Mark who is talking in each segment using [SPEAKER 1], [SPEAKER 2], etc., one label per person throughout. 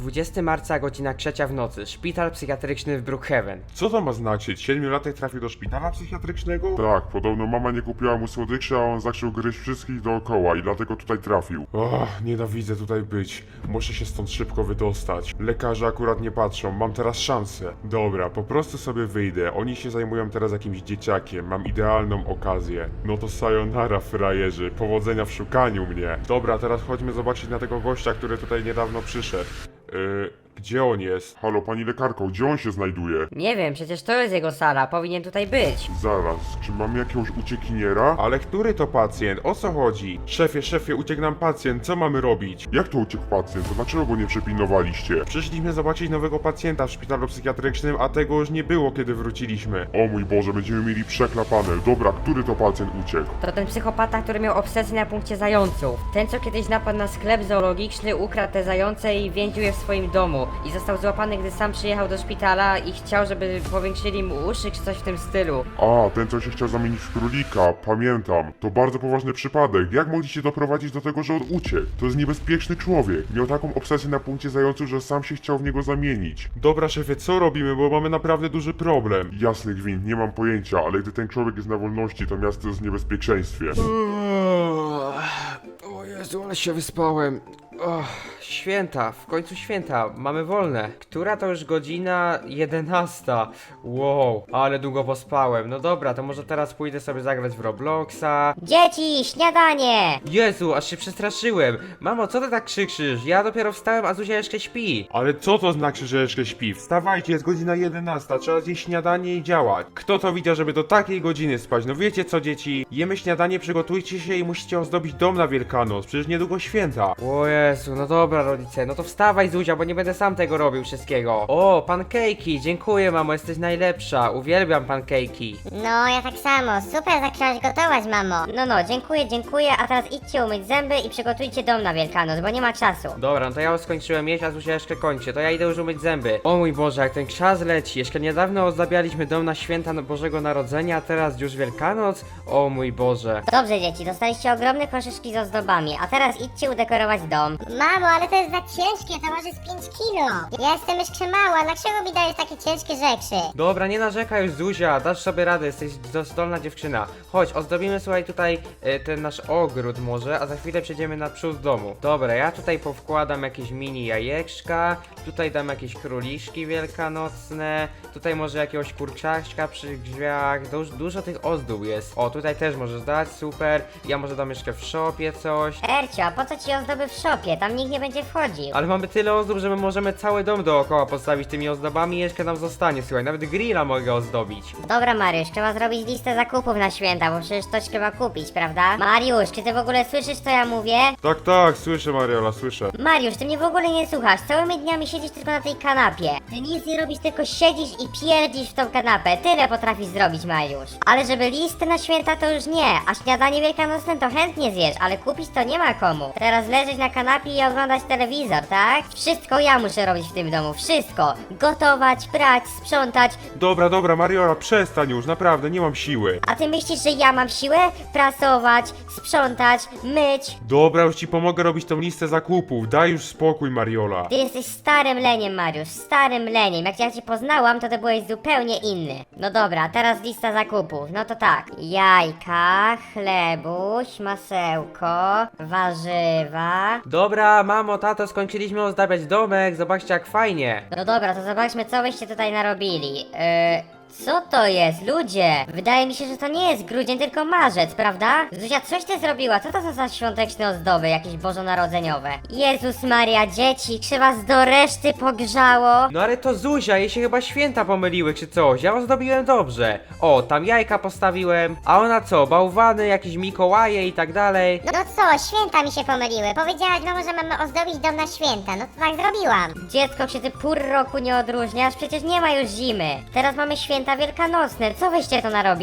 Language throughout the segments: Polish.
[SPEAKER 1] 20 marca, godzina 3 w nocy. Szpital psychiatryczny w Brookhaven.
[SPEAKER 2] Co to ma znaczyć? 7-latek trafił do szpitala psychiatrycznego? Tak, podobno mama nie kupiła mu słodyczy, a on zaczął gryźć wszystkich dookoła i dlatego tutaj trafił. Nienawidzę tutaj być. Muszę się stąd szybko wydostać. Lekarze akurat nie patrzą, mam teraz szansę. Dobra, po prostu sobie wyjdę. Oni się zajmują teraz jakimś dzieciakiem, mam idealną okazję. No to sayonara, frajerzy. Powodzenia w szukaniu mnie. Dobra, teraz chodźmy zobaczyć na tego gościa, który tutaj niedawno przyszedł. Gdzie on jest? Halo, pani lekarko, gdzie on się znajduje?
[SPEAKER 3] Nie wiem, przecież to jest jego sala, powinien tutaj być.
[SPEAKER 2] Zaraz, czy mamy jakiegoś uciekiniera?
[SPEAKER 1] Ale który to pacjent? O co chodzi? Szefie, uciekł nam pacjent, co mamy robić?
[SPEAKER 2] Jak to uciekł pacjent? To dlaczego go nie przepilnowaliście?
[SPEAKER 1] Przyszliśmy zobaczyć nowego pacjenta w szpitalu psychiatrycznym, a tego już nie było, kiedy wróciliśmy.
[SPEAKER 2] O mój Boże, będziemy mieli przeklapane. Dobra, który to pacjent uciekł?
[SPEAKER 3] To ten psychopata, który miał obsesję na punkcie zająców. Ten, co kiedyś napadł na sklep zoologiczny, ukradł te zające i więził je w swoim domu. I został złapany, gdy sam przyjechał do szpitala i chciał, żeby powiększyli mu uszy czy coś w tym stylu.
[SPEAKER 2] A, ten co się chciał zamienić w królika, pamiętam. To bardzo poważny przypadek. Jak mogliście doprowadzić do tego, że on uciekł? To jest niebezpieczny człowiek. Miał taką obsesję na punkcie zająców, że sam się chciał w niego zamienić.
[SPEAKER 1] Dobra, szefie, co robimy, bo mamy naprawdę duży problem.
[SPEAKER 2] Jasny gwint, nie mam pojęcia, ale gdy ten człowiek jest na wolności, to miasto jest w niebezpieczeństwie.
[SPEAKER 1] O Jezu, ale się wyspałem. Święta, w końcu święta, mamy wolne. Która to już godzina? 11. Wow, ale długo pospałem. No dobra, to może teraz pójdę sobie zagrać w Robloxa.
[SPEAKER 3] Dzieci, śniadanie!
[SPEAKER 1] Jezu, aż się przestraszyłem. Mamo, co ty tak krzyczysz? Ja dopiero wstałem, a Zuzia jeszcze śpi. Ale co to znaczy, że jeszcze śpi? Wstawajcie, jest godzina 11, trzeba zjeść śniadanie i działać. Kto to widział, żeby do takiej godziny spać? No wiecie co, dzieci? Jemy śniadanie, przygotujcie się i musicie ozdobić dom na Wielkanoc. Przecież niedługo święta. O Jezu, no dobra rodzice, no to wstawaj Zuzia, bo nie będę sam tego robił wszystkiego. O, pankejki, dziękuję mamo, jesteś najlepsza. Uwielbiam pankejki.
[SPEAKER 4] No, ja tak samo. Super zaczęłaś gotować, mamo.
[SPEAKER 3] No, dziękuję, a teraz idźcie umyć zęby i przygotujcie dom na Wielkanoc, bo nie ma czasu.
[SPEAKER 1] Dobra, no to ja już skończyłem jeść, a Zuzia jeszcze kończy. To ja idę już umyć zęby. O mój Boże, jak ten czas leci. Jeszcze niedawno ozdabialiśmy dom na święta Bożego Narodzenia, a teraz już Wielkanoc? O mój Boże.
[SPEAKER 3] Dobrze, dzieci, dostaliście ogromne koszyczki z ozdobami, a teraz idźcie udekorować dom.
[SPEAKER 4] Mamo, ale to jest za ciężkie, to może z 5 kilo. Ja jestem jeszcze mała, dlaczego mi dajesz takie ciężkie rzeczy?
[SPEAKER 1] Dobra, nie narzekaj już Zuzia, dasz sobie radę, jesteś zdolna dziewczyna. Chodź, ozdobimy słuchaj tutaj ten nasz ogród może, a za chwilę przejdziemy na przód domu. Dobra, ja tutaj powkładam jakieś mini jajeczka, tutaj dam jakieś króliczki wielkanocne, tutaj może jakiegoś kurczaczka przy drzwiach, dużo tych ozdób jest. O, tutaj też możesz dać, super, ja może dam jeszcze w shopie coś.
[SPEAKER 3] Ercio, a po co ci ozdoby w szopie? Tam nikt nie będzie wchodził.
[SPEAKER 1] Ale mamy tyle ozdób, że my możemy cały dom dookoła postawić tymi ozdobami i jeszcze nam zostanie, słuchaj, nawet grilla mogę ozdobić.
[SPEAKER 3] Dobra, Mariusz, trzeba zrobić listę zakupów na święta, bo przecież coś trzeba kupić, prawda? Mariusz, czy ty w ogóle słyszysz, co ja mówię?
[SPEAKER 2] Tak, słyszę Mariola, słyszę.
[SPEAKER 3] Mariusz, ty mnie w ogóle nie słuchasz, całymi dniami siedzisz tylko na tej kanapie. Ty nic nie robisz, tylko siedzisz i pierdzisz w tą kanapę. Tyle potrafisz zrobić, Mariusz. Ale żeby listę na święta to już nie, a śniadanie wielkanocne to chętnie zjesz, ale kupić to nie ma komu. Teraz leżeć na kanapie i oglądać telewizor, tak? Wszystko ja muszę robić w tym domu, wszystko. Gotować, prać, sprzątać.
[SPEAKER 1] Dobra, Mariola, przestań już, naprawdę, nie mam siły.
[SPEAKER 3] A ty myślisz, że ja mam siłę? Prasować, sprzątać, myć.
[SPEAKER 1] Dobra, już ci pomogę robić tą listę zakupów, daj już spokój, Mariola.
[SPEAKER 3] Ty jesteś starym leniem, Mariusz, starym leniem. Jak ja cię poznałam, to byłeś zupełnie inny. No dobra, teraz lista zakupów. No to tak. Jajka, chlebuś, masełko, warzywa.
[SPEAKER 1] Dobra, mamo, tato, skończyliśmy ozdabiać domek, zobaczcie jak fajnie.
[SPEAKER 3] No dobra, to zobaczmy, co byście tutaj narobili. Co to jest, ludzie? Wydaje mi się, że to nie jest grudzień, tylko marzec, prawda? Zuzia, coś ty zrobiła, co to są za świąteczne ozdoby, jakieś bożonarodzeniowe? Jezus Maria, dzieci, czy was do reszty pogrzało?
[SPEAKER 1] No ale to Zuzia, jej się chyba święta pomyliły czy coś, ja ozdobiłem dobrze. O, tam jajka postawiłem, a ona co, bałwany, jakieś Mikołaje i tak dalej.
[SPEAKER 4] No co, święta mi się pomyliły. Powiedziałaś, mamo, że mamy ozdobić dom na święta. No to tak zrobiłam.
[SPEAKER 3] Dziecko, czy ty pór roku nie odróżniasz? Przecież nie ma już zimy. Teraz mamy święta wielkanocne, co wyście to narobili?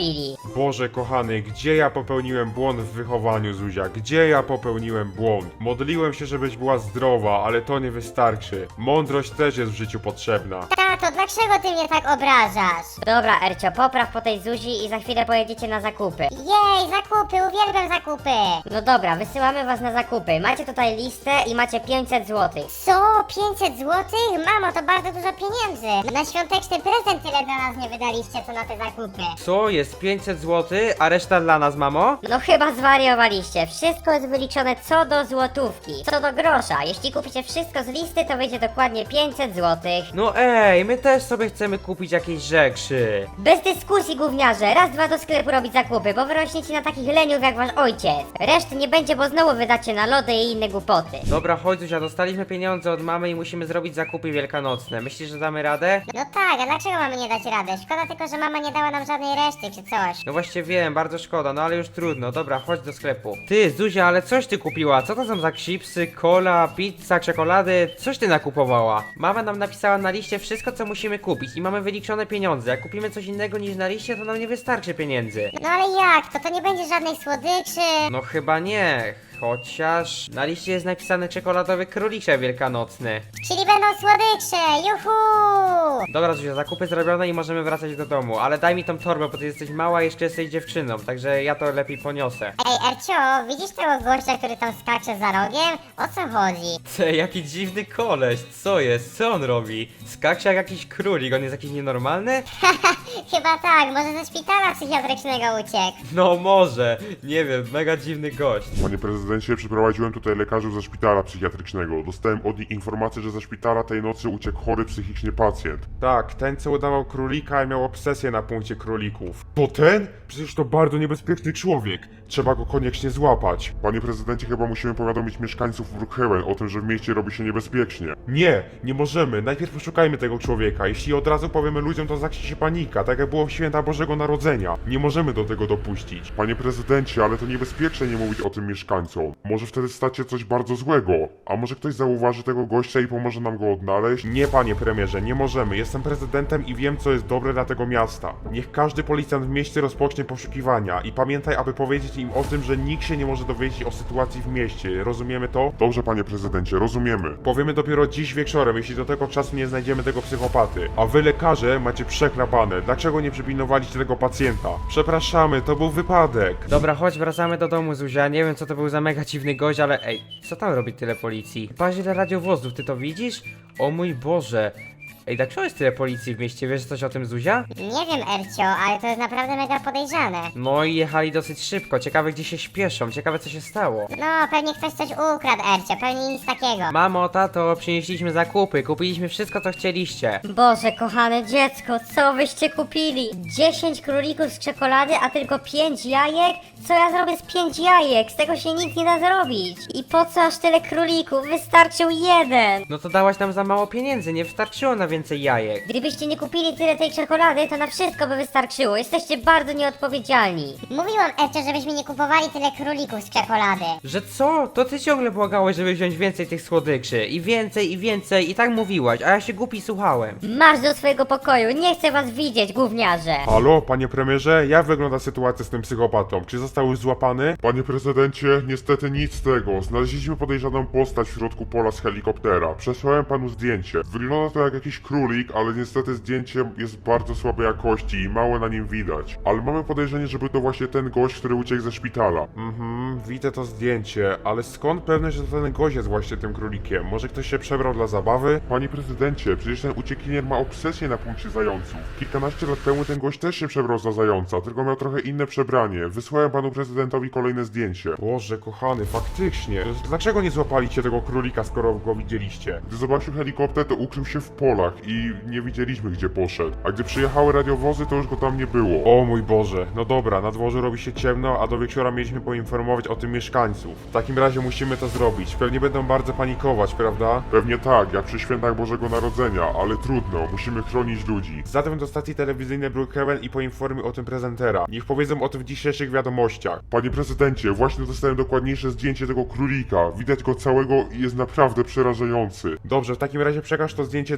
[SPEAKER 1] Boże kochany, gdzie ja popełniłem błąd w wychowaniu, Zuzia? Gdzie ja popełniłem błąd? Modliłem się, żebyś była zdrowa, ale to nie wystarczy. Mądrość też jest w życiu potrzebna.
[SPEAKER 4] Tato, dlaczego ty mnie tak obrażasz?
[SPEAKER 3] Dobra, Ercio, popraw po tej Zuzi i za chwilę pojedziecie na zakupy.
[SPEAKER 4] Jej, zakupy, uwielbiam zakupy.
[SPEAKER 3] No dobra, wysyłamy was na zakupy. Macie tutaj listę i macie 500 zł.
[SPEAKER 4] Co? 500 złotych? Mamo, to bardzo dużo pieniędzy. Na świąteczny prezent tyle dla nas nie wydaliście, co na te zakupy.
[SPEAKER 1] Co? Jest 500 zł, a reszta dla nas, mamo?
[SPEAKER 3] No chyba zwariowaliście. Wszystko jest wyliczone co do złotówki, co do grosza. Jeśli kupicie wszystko z listy, to wyjdzie dokładnie 500 zł.
[SPEAKER 1] No ej, my też sobie chcemy kupić jakieś rzeczy.
[SPEAKER 3] Bez dyskusji, gówniarze. Raz, dwa do sklepu robić zakupy, bo wyrośniecie na takich leniów jak wasz ojciec. Reszty nie będzie, bo znowu wydacie na lody i inne głupoty.
[SPEAKER 1] Dobra, chodź Zuzia, dostaliśmy pieniądze od mamy i musimy zrobić zakupy wielkanocne. Myślisz, że damy radę?
[SPEAKER 4] No tak, a dlaczego mamy nie dać rady? Szkoda tylko, że mama nie dała nam żadnej reszty czy coś.
[SPEAKER 1] No właśnie wiem, bardzo szkoda, no ale już trudno. Dobra, chodź do sklepu. Ty, Zuzia, ale coś ty kupiła? Co to są za chipsy, cola, pizza, czekolady? Coś ty nakupowała? Mama nam napisała na liście wszystko, co musimy kupić i mamy wyliczone pieniądze. Jak kupimy coś innego niż na liście, to nam nie wystarczy pieniędzy.
[SPEAKER 4] No ale jak? To nie będzie żadnej słodyczy.
[SPEAKER 1] No chyba nie. Chociaż na liście jest napisane czekoladowy królicze wielkanocny.
[SPEAKER 4] Czyli będą słodycze, juhu!
[SPEAKER 1] Dobra, Zuzia, zakupy zrobione i możemy wracać do domu, ale daj mi tą torbę, bo ty jesteś mała i jeszcze jesteś dziewczyną, także ja to lepiej poniosę.
[SPEAKER 4] Ej, Ercio, widzisz tego gościa, który tam skacze za rogiem? O co chodzi?
[SPEAKER 1] Ty, jaki dziwny koleś, co jest? Co on robi? Skaksie jak jakiś królik, on jest jakiś nienormalny?
[SPEAKER 4] Chyba tak, może ze szpitala psychiatrycznego uciekł.
[SPEAKER 1] No może, nie wiem, mega dziwny gość.
[SPEAKER 2] Panie prezydencie, przyprowadziłem tutaj lekarzy ze szpitala psychiatrycznego. Dostałem od nich informację, że ze szpitala tej nocy uciekł chory psychicznie pacjent.
[SPEAKER 1] Tak, ten co udawał królika i miał obsesję na punkcie królików. To ten? Przecież to bardzo niebezpieczny człowiek. Trzeba go koniecznie złapać.
[SPEAKER 2] Panie prezydencie, chyba musimy powiadomić mieszkańców Brookhaven o tym, że w mieście robi się niebezpiecznie.
[SPEAKER 1] Nie możemy. Najpierw poszukajmy tego człowieka. Jeśli od razu powiemy ludziom, to zacznie się panika, tak jak było w święta Bożego Narodzenia. Nie możemy do tego dopuścić.
[SPEAKER 2] Panie prezydencie, ale to niebezpieczne nie mówić o tym mieszkańcom. Może wtedy stać się coś bardzo złego. A może ktoś zauważy tego gościa i pomoże nam go odnaleźć?
[SPEAKER 1] Nie, panie premierze, nie możemy. Jestem prezydentem i wiem, co jest dobre dla tego miasta. Niech każdy policjant w mieście rozpocznie poszukiwania i pamiętaj, aby powiedzieć im o tym, że nikt się nie może dowiedzieć o sytuacji w mieście. Rozumiemy to?
[SPEAKER 2] Dobrze, panie prezydencie, rozumiemy.
[SPEAKER 1] Powiemy dopiero dziś wieczorem, jeśli do tego czasu nie znajdziemy tego psychopaty. A wy, lekarze, macie przeklapane. Dlaczego nie przypilnowaliście tego pacjenta? Przepraszamy, to był wypadek. Dobra, chodź, wracamy do domu, Zuzia. Nie wiem, co to był za mega dziwny gość, ale ej, co tam robi tyle policji? Patrz, ile radiowozów, ty to widzisz? O mój Boże. Ej, dlaczego jest tyle policji w mieście? Wiesz coś o tym, Zuzia?
[SPEAKER 4] Nie wiem, Ercio, ale to jest naprawdę mega podejrzane.
[SPEAKER 1] No i jechali dosyć szybko. Ciekawe, gdzie się śpieszą. Ciekawe, co się stało.
[SPEAKER 4] No, pewnie ktoś coś ukradł, Ercio, pewnie nic takiego.
[SPEAKER 1] Mamo, tato, przynieśliśmy zakupy. Kupiliśmy wszystko, co chcieliście.
[SPEAKER 3] Boże, kochane dziecko, co wyście kupili? 10 królików z czekolady, a tylko 5 jajek? Co ja zrobię z 5 jajek? Z tego się nic nie da zrobić. I po co aż tyle królików? Wystarczył jeden.
[SPEAKER 1] No to dałaś nam za mało pieniędzy, nie wystarczyło na więcej jajek.
[SPEAKER 3] Gdybyście nie kupili tyle tej czekolady, to na wszystko by wystarczyło. Jesteście bardzo nieodpowiedzialni.
[SPEAKER 4] Mówiłam, Ercio, żebyśmy nie kupowali tyle królików z czekolady.
[SPEAKER 1] Że co? To ty ciągle błagałeś, żeby wziąć więcej tych słodyczy. I więcej, i tak mówiłaś, a ja się głupi słuchałem.
[SPEAKER 3] Marsz do swojego pokoju, nie chcę was widzieć, gówniarze.
[SPEAKER 1] Halo, panie premierze, jak wygląda sytuacja z tym psychopatą? Czy został już złapany?
[SPEAKER 2] Panie prezydencie, niestety nic z tego. Znaleźliśmy podejrzaną postać w środku pola z helikoptera. Przesłałem panu zdjęcie. Wygląda to jak jakiś królik, ale niestety zdjęcie jest bardzo słabej jakości i mało na nim widać. Ale mamy podejrzenie, żeby to właśnie ten gość, który uciekł ze szpitala.
[SPEAKER 1] Widzę to zdjęcie, ale skąd pewność, że to ten gość jest właśnie tym królikiem? Może ktoś się przebrał dla zabawy?
[SPEAKER 2] Panie prezydencie, przecież ten uciekinier ma obsesję na punkcie zająców. Kilkanaście lat temu ten gość też się przebrał za zająca, tylko miał trochę inne przebranie. Wysłałem panu prezydentowi kolejne zdjęcie.
[SPEAKER 1] Boże, kochany, faktycznie. Dlaczego nie złapaliście tego królika, skoro go widzieliście?
[SPEAKER 2] Gdy zobaczył helikopter, to ukrył się w polach i nie widzieliśmy, gdzie poszedł. A gdy przyjechały radiowozy, to już go tam nie było.
[SPEAKER 1] O mój Boże, no dobra, na dworze robi się ciemno, a do wieczora mieliśmy poinformować o tym mieszkańców. W takim razie musimy to zrobić. Pewnie będą bardzo panikować, prawda?
[SPEAKER 2] Pewnie tak, jak przy świętach Bożego Narodzenia, ale trudno, musimy chronić ludzi.
[SPEAKER 1] Zadzwoń do stacji telewizyjnej Brookhaven i poinformuj o tym prezentera. Niech powiedzą o tym w dzisiejszych wiadomościach.
[SPEAKER 2] Panie prezydencie, właśnie dostałem dokładniejsze zdjęcie tego królika. Widać go całego i jest naprawdę przerażający.
[SPEAKER 1] Dobrze, w takim razie przekaż to zdjęcie dalej. Niech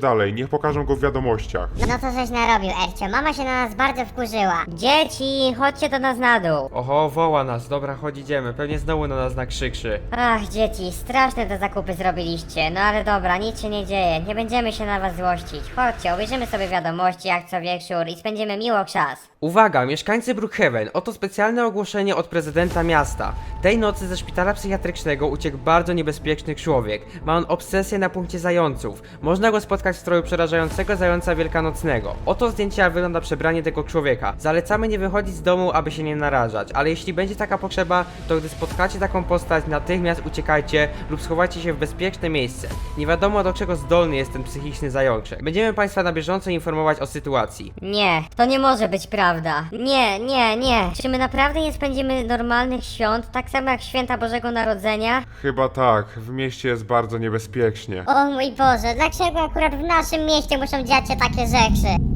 [SPEAKER 2] niech pokażą go w wiadomościach.
[SPEAKER 4] No to żeś narobił, Ercio. Mama się na nas bardzo wkurzyła.
[SPEAKER 3] Dzieci, chodźcie do nas na dół.
[SPEAKER 1] Oho, woła nas, dobra, chodź idziemy, pewnie znowu na nas nakrzykrzy.
[SPEAKER 3] Ach, dzieci, straszne te zakupy zrobiliście. No ale dobra, nic się nie dzieje, nie będziemy się na was złościć. Chodźcie, obejrzymy sobie wiadomości jak co wieczór i spędzimy miło czas.
[SPEAKER 1] Uwaga, mieszkańcy Brookhaven, oto specjalne ogłoszenie od prezydenta miasta. Tej nocy ze szpitala psychiatrycznego uciekł bardzo niebezpieczny człowiek. Ma on obsesję na punkcie zająców. Można go spotkać w stroju przerażającego zająca wielkanocnego. Oto zdjęcie, jak wygląda przebranie tego człowieka. Zalecamy nie wychodzić z domu, aby się nie narażać, ale jeśli będzie taka potrzeba, to gdy spotkacie taką postać, natychmiast uciekajcie lub schowajcie się w bezpieczne miejsce. Nie wiadomo, do czego zdolny jest ten psychiczny zajączek. Będziemy Państwa na bieżąco informować o sytuacji.
[SPEAKER 3] Nie, to nie może być prawda. Nie. Czy my naprawdę nie spędzimy normalnych świąt, tak samo jak święta Bożego Narodzenia?
[SPEAKER 2] Chyba tak, w mieście jest bardzo niebezpiecznie.
[SPEAKER 4] O mój Boże, dlaczego akurat w naszym mieście muszą dziać się takie rzeczy?